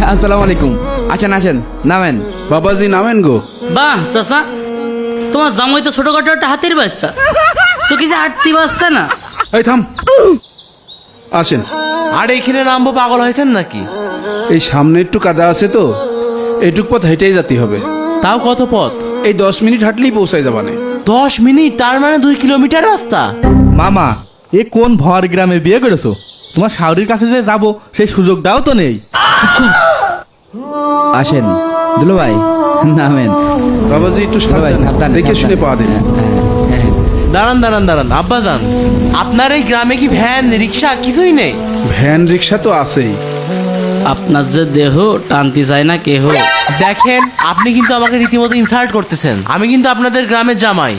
আসসালামু আলাইকুম। আসেন আসেন, নামেন। বাবাজি নামেন গো। বাহ চাচা, তোমার জামাই তো ছোটখাটো একটা হাতির বাচ্চা, সুখী যে হাঁটতে পারছে না। এই থাম, আসেন। আর এইখানে নামবো, পাগল হয়েছেন নাকি? এই সামনে একটু কাদা আছে তো, এইটুক পথ হেঁটেই যেতে হবে। তাও কত পথ? এই 10 মিনিট হাঁটলেই পৌঁছাই যাবানে। 10 মিনিট, তার মানে 2 কিলোমিটার রাস্তা। মামা, এ কোন ভর গ্রামে বিয়ে করেছো? তোমার শাওরির কাছে যে যাবো সেই সুযোগটাও তো নেই। আসেন দুলো ভাই, নামেন। বাবাজি একটু দুলো ভাই, সাবধানে, দেখে শুনে পা দিন। হ্যাঁ। দাঁড়ান দাঁড়ান দাঁড়ান, আব্বা যান, আপনার এই গ্রামে কি ভ্যান রিক্সা কিছুই নেই? ভ্যান রিক্সা তো আছেই। আপনার যে দেহ টানতে চায় না কেহ। দেখেন, আপনি কিন্তু আমাকে রীতিমতো ইনসাল্ট করতেছেন। আমি কিন্তু আপনাদের গ্রামের জামাই।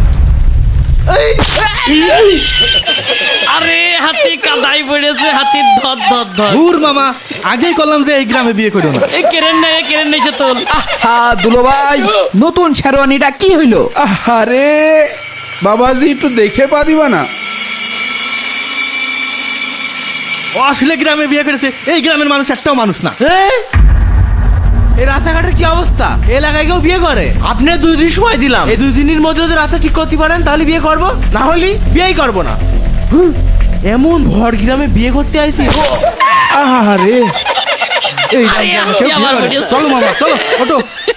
আরে হাতি কাদাই পড়েছে, হাতির ধর ধর ধর। দূর মামা, আগেই করলাম যে এই গ্রামে বিয়ে করো না। এ কেরেন নাই সে তোল। হ্যাঁ দুলো ভাই, নতুন শেরওয়ানিটা কি হইলো? আরে বাবাজি একটু দেখে পা দিবা না? আসলে গ্রামে বিয়ে করেছে, এই গ্রামের মানুষ একটাও মানুষ না। এই রাস্তাঘাটের কি অবস্থা? এলাকায় কেউ বিয়ে করে? আপনি 2 দিন সময় দিলাম, এই 2 দিনের মধ্যে যদি রাস্তা ঠিক করতে পারেন তাহলে বিয়ে করব, না হলে বিয়েই করব না। এমন ভর গ্রামে বিয়ে করতে আইছি। আরে এই আরে গ্রামে হাতি কেউ বিয়ে আবার করে? পড়েছে। চলো মামা, চলো ওঠো।